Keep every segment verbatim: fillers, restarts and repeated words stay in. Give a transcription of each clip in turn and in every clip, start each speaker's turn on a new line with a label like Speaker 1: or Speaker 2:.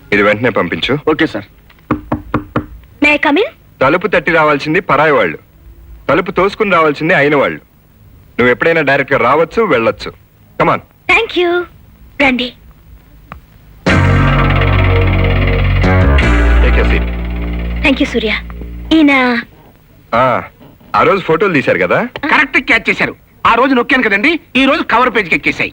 Speaker 1: ఇది వెంటనే పంపించు.
Speaker 2: Okay sir.
Speaker 3: May I come in?
Speaker 1: తలుపు తట్టి రావాల్సింది పరాయి వాళ్ళు, తలుపు తోసుకుని రావాల్సింది అయిన వాళ్ళు. నువ్వు ఎప్పుడైనా డైరెక్ట్ గా రావచ్చు, వెళ్ళొచ్చు. కమాన్.
Speaker 3: Thank you. రండి. Thank you Surya. ఈయన
Speaker 1: ఆ రోజు ఫోటోలు తీశారు కదా?
Speaker 2: కరెక్ట్ క్యాచ్ చేశారు. ఆ రోజు నొక్కాను కదండి, ఈ రోజు కవర్ పేజ్కి ఎక్కేసాయి.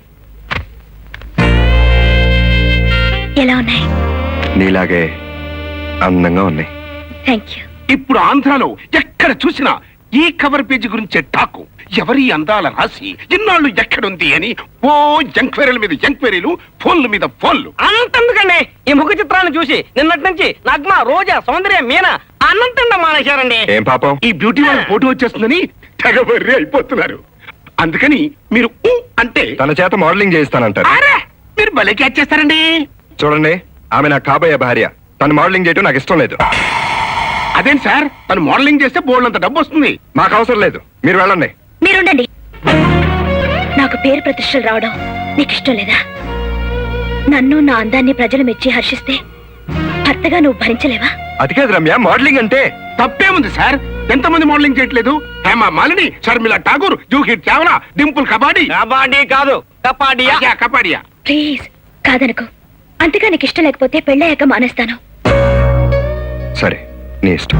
Speaker 3: ఎలా ఉన్నాయి?
Speaker 1: నీలాగే అందంగా ఉన్నాయి.
Speaker 3: Thank you.
Speaker 2: ఇప్పుడు ఆంధ్రాలో ఎక్కడ చూసినా ఈ కవర్ పేజీ గురించే టాకు. ఎవరి అందాల రాసి ఇన్నాళ్ళు ఎక్కడుంది అని ఓ ఎంక్వైరీల మీద ఎంక్వైరీలు, ఫోన్ల మీద ఫోన్లు.
Speaker 4: అనంతందుకండి ఈ ముఖ చిత్రాన్ని చూసి నిన్నటి నుంచి నగ్మ, రోజా, సౌందర్య, మీనా అనంతంగా మానేశారండి.
Speaker 1: ఏం పాపం?
Speaker 2: ఈ బ్యూటీ వాళ్ళ ఫోటో వచ్చేస్తుందని తెగబర్రి అయిపోతున్నారు. అందుకని మీరు ఊ అంటే
Speaker 1: తన చేత మోడలింగ్ చేయిస్తానంటారు.
Speaker 2: అరే మీరు భలే క్యాచ్ చేస్తారండి.
Speaker 1: చూడండి, ఆమె నా కాబోయే భార్య. తను మోడలింగ్ చేయటం నాకు ఇష్టం లేదు.
Speaker 2: అదేం సార్, తను మోడలింగ్ చేస్తే బోల్డ్ అంత డబ్బు వస్తుంది.
Speaker 1: మాకు అవసరం లేదు, మీరు వెళ్ళండి.
Speaker 3: మీరుండండి. నాకు పేరు ప్రతిష్టలు రావడం నీకు ఇష్టం లేదా? నన్ను నా అందాన్ని ప్రజలు మెచ్చి హర్షిస్తే భర్తగా నువ్వు భరించలేవా?
Speaker 1: అది కాదు రమ్య, మోడలింగ్ అంటే.
Speaker 2: తప్పేముంది సార్, ఎంతమంది మోడలింగ్ చేయట్లేదు? హేమా మాలిని, షర్మిల ఠాగూర్, జూహీ చావ్లా, డింపుల్ కబాడీ.
Speaker 4: కబాడీ కాదు కపాడియా.
Speaker 2: కబాడియా.
Speaker 3: ప్లీజ్ కాదనుకో. అంతగా నీకు ఇష్టం లేకపోతే పెళ్ళయ్యాక మానేస్తాను.
Speaker 1: సరే, నీ ఇష్టం.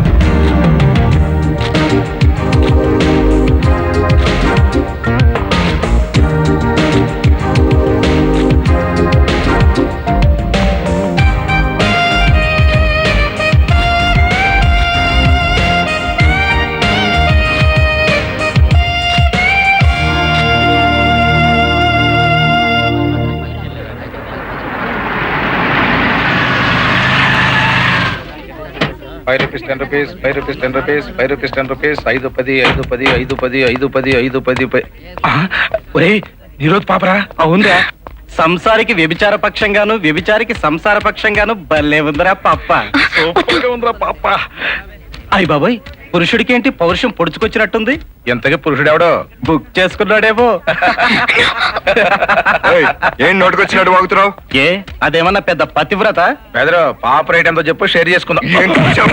Speaker 5: Five rupees ten rupees five rupees ten rupees five rupees ten rupees ఐదు పది ఐదు పది ఐదు పది ఐదు పది ఐదు పది
Speaker 2: ఒరే ఈరోజు పాపరా.
Speaker 4: అవునరా, సంసారికి వ్యభిచార పక్షంగాను, వ్యభిచారికి సంసార పక్షంగాను భలే ఉందిరా పాప.
Speaker 5: సూపర్గా ఉందిరా పాప.
Speaker 4: అయ్య బాబాయ్, పురుషుడికి ఏంటి పౌరుషం పొడుచుకొచ్చినట్టుంది?
Speaker 5: ఎంతగా పురుషుడు ఎవడో
Speaker 4: బుక్ చేసుకున్నాడేమో.
Speaker 1: ఏయ్, ఏం నోటుకొచ్చినట్టు వాగుతున్నావు?
Speaker 4: ఏ అదేమన్నా పెద్ద పతివ్రత?
Speaker 5: పెదరు పాప రేట్ ఎంతో చెప్పు, షేర్ చేసుకుందాం.
Speaker 1: ఏం చూసావు?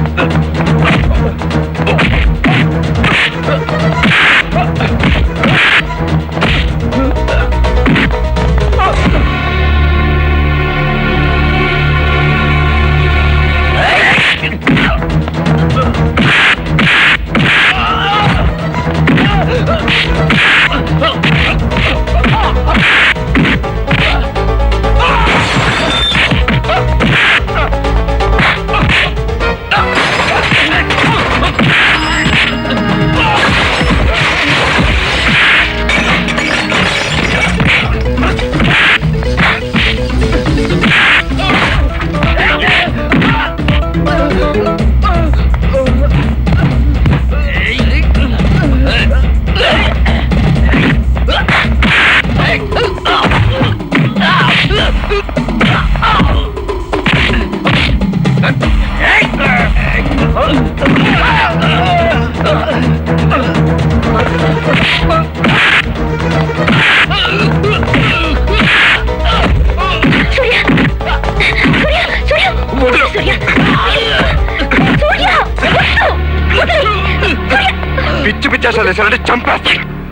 Speaker 1: పిచ్చి పిచ్చేసాలు వేసారంటే చంపేస్తా.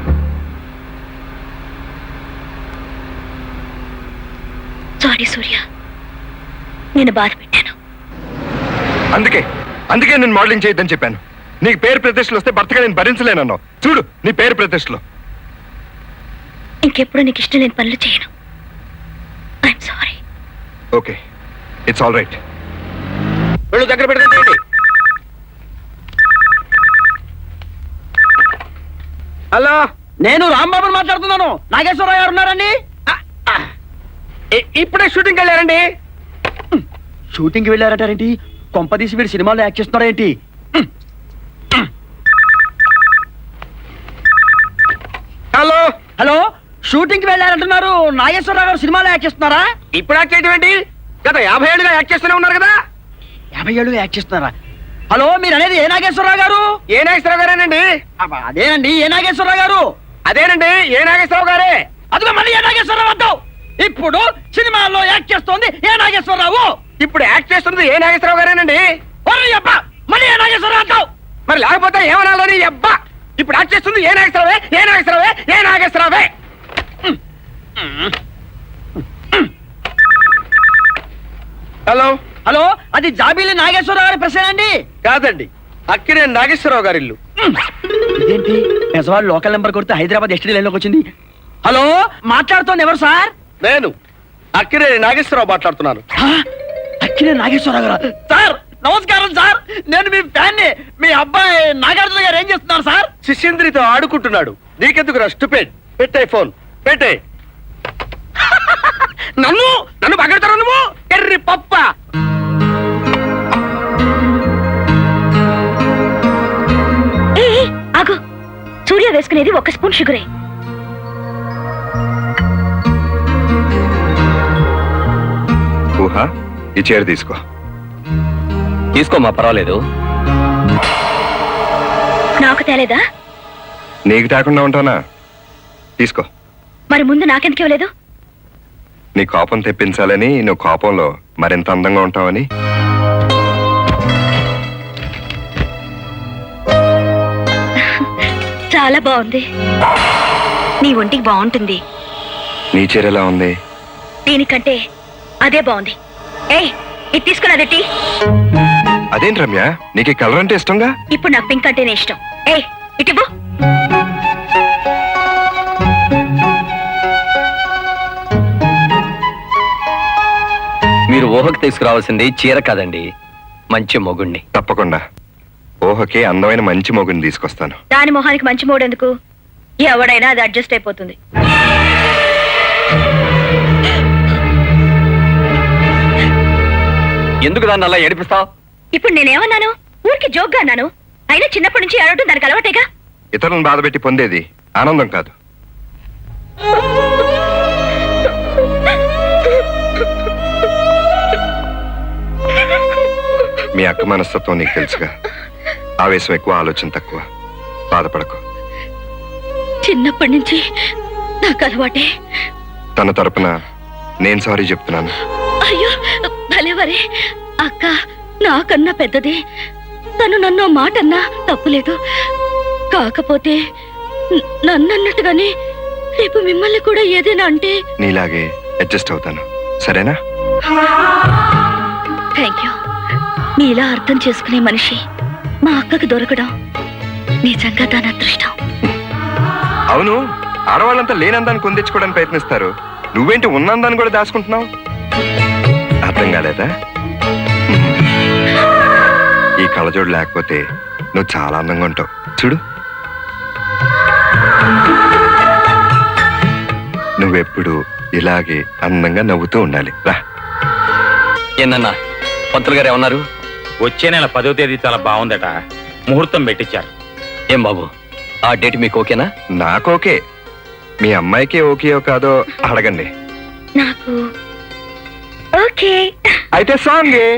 Speaker 3: సారీ సూర్య, నేను బాధ పెట్టాను.
Speaker 1: అందుకే అందుకే నేను మోడలింగ్ చేయొద్దని చెప్పాను. నీకు పేరు ప్రతిష్టలు వస్తే భర్తగా నేను భరించలేనన్నావు. చూడు నీ పేరు ప్రతిష్టలు.
Speaker 3: ఇంకెప్పుడు నీకు ఇష్టం లేని పనులు చేయను. I'm sorry.
Speaker 1: Okay, it's all right.
Speaker 4: వెళ్ళు, దగ్గర పెట్టుకుంటేయండి. హలో, నేను రాంబాబుని మాట్లాడుతున్నాను. నాగేశ్వరరావు గారు ఉన్నారండి? ఇప్పుడే షూటింగ్కి వెళ్ళారండి. షూటింగ్కి వెళ్ళారంటారేంటి? కొంపదీసి వీడు సినిమాలో యాక్ట్ చేస్తున్నారేంటి? హలో హలో, షూటింగ్కి వెళ్ళారంటున్నారు. నాగేశ్వరరావు గారు సినిమాలో యాక్ట్ చేస్తున్నారా? ఇప్పుడు యాక్ట్ చేయడం ఏంటి? గత యాభై ఏళ్ళుగా యాక్ట్ చేస్తూనే ఉన్నారు కదా. యాభై ఏళ్ళు యాక్ట్ చేస్తున్నారా? హలో, మీరు అనేది ఏ నాగేశ్వరరావు గారు? ఏ నాగేశ్వరరావు గారేనండి? అదేనండి, ఏ నాగేశ్వరరావు గారు? అదేనండి, ఏ నాగేశ్వరరావు గారే. అదిగో మళ్ళీ ఏ నాగేశ్వరరావు అంటావు. ఇప్పుడు సినిమాల్లో యాక్ట్ చేస్తోంది ఏ నాగేశ్వరరావు? ఇప్పుడు యాక్ట్ చేస్తున్నది ఏ నాగేశ్వరరావు గారేనండి అబ్బా మళ్ళీ ఏ నాగేశ్వరరావు అంటావు మరి లేకపోతే ఏమనాలని అబ్బా ఇప్పుడు యాక్ట్ చేస్తుంది ఏ నాగేశ్వరరావే ఏ నాగేశ్వరరావే ఏ నాగేశ్వరరావే
Speaker 2: హలో
Speaker 4: హలో అది జాబీలి నాగేశ్వరరావు గారి ప్రశ్న అండి
Speaker 2: కాదండి అక్కినే నాగేశ్వరరావు గారి ఇల్లు
Speaker 4: ఇదేంటి నిజవాళ్ళు లోకల్ నెంబర్ కొడితే హైదరాబాద్ ఎస్టీ లైన్లోకి వచ్చింది హలో మాట్లాడుతోంది ఎవరు సార్
Speaker 2: నేను అక్కినే నాగేశ్వరరావు మాట్లాడుతున్నాను
Speaker 4: అక్కినే నాగేశ్వరరావు గారు సార్ నమస్కారం సార్ నేను మీ ఫ్యాన్ మీ అబ్బాయి నాగార్జున గారు ఏం చేస్తున్నారు సార్
Speaker 2: శిష్యంద్రితో ఆడుకుంటున్నాడు నీకెందుకు రా స్టూపిడ్ పెట్టే ఫోన్ పెట్టే
Speaker 4: నన్ను నన్ను పగడతారు నువ్వు ఎర్రి పప్ప
Speaker 3: ఏ ఏ, ఆగు. సూర్య వేసుకునేది ఒక స్పూన్ షుగరే.
Speaker 1: ఊహ ఈ చీర తీసుకో.
Speaker 5: తీసుకోమా, పర్వాలేదు.
Speaker 3: నాకు తేలేదా?
Speaker 1: నీకు తాకుండా ఉంటానా? తీసుకో.
Speaker 3: మరి ముందు నాకెందుకు ఇవ్వలేదు?
Speaker 1: నీ కోపం తెప్పించాలని, నువ్వు కోపంలో మరింత అందంగా ఉంటావని.
Speaker 3: చాలా బాగుంది. నీ ఒంటికి బాగుంటుంది.
Speaker 1: నీ చీర ఎలా ఉంది?
Speaker 3: దీనికంటే అదే బాగుంది. ఏయ్, ఇది తీసుకుని అదెట్టి.
Speaker 1: అదేంటి రమ్య, నీకు ఈ కలర్ అంటే ఇష్టంగా?
Speaker 3: ఇప్పుడు నాకు పింక్ అంటేనే ఇష్టం. ఏయ్, ఇటివ్వు.
Speaker 5: మీరు ఊహకు తీసుకురావాల్సింది చీర కాదండి, మంచి మొగుణ్ణి.
Speaker 1: తప్పకుండా ఊహకి అందమైన మంచి మొగుని తీసుకొస్తాను.
Speaker 3: దాని మొహానికి మంచి మూడెందుకు? ఎవడైనా అది అడ్జస్ట్ అయిపోతుంది.
Speaker 5: ఎందుకు దాన్ని అలా ఏడిపిస్తావు?
Speaker 3: ఇప్పుడు నేనేమన్నాను? ఊరికి జోక్గా అన్నాను. అయినా చిన్నప్పటి నుంచి ఏడవటం దానికి అలవాటేగా.
Speaker 1: ఇతరులను బాధపెట్టి పొందేది ఆనందం కాదు. మీ అక్క మనస్తత్వం నీకు తెలుసుగా. ఆవేశం ఎక్కువ, ఆలోచన తక్కువ. బాధపడకు.
Speaker 3: చిన్నప్పటి నుంచి నాకు అలవాటే.
Speaker 1: తన తరపున నేను సారీ చెప్తున్నాను.
Speaker 3: అయ్యో భలేవరే. అక్క నాకన్నా పెద్దది. తను నన్ను మాట అన్నా తప్పులేదు. కాకపోతే న- నన్నన్నట్టుగానే రేపు మిమ్మల్ని కూడా ఏదైనా అంటే
Speaker 1: నీలాగే అడ్జస్ట్ అవుతాను, సరేనా?
Speaker 3: Thank you. నీలా అర్థం చేసుకునే మనిషి మా అక్కకు దొరకడం నిజంగా దాని అదృష్టం.
Speaker 1: అవును, ఆడవాళ్ళంతా లేనందాన్ని కొందించుకోవడానికి ప్రయత్నిస్తారు. నువ్వేంటి ఉన్నందాన్ని కూడా దాచుకుంటున్నావు? అర్థం కాలేదా? ఈ కళ్ళజోడు లేకపోతే నువ్వు చాలా అందంగా ఉంటావు. చూడు, నువ్వెప్పుడు ఇలాగే అందంగా నవ్వుతూ ఉండాలి. రా.
Speaker 5: ఏందన్నా పంతులు గారు ఏమన్నారు?
Speaker 6: వచ్చే నెల పదో తేదీ చాలా బాగుందట, ముహూర్తం పెట్టించారు.
Speaker 5: ఏం బాబు, ఆ డేట్ మీకు ఓకేనా?
Speaker 1: నాకు ఓకే. మీ అమ్మాయికి ఓకేయో కాదో అడగండి.
Speaker 3: నాకు ఓకే.
Speaker 1: అయితే సాంగే.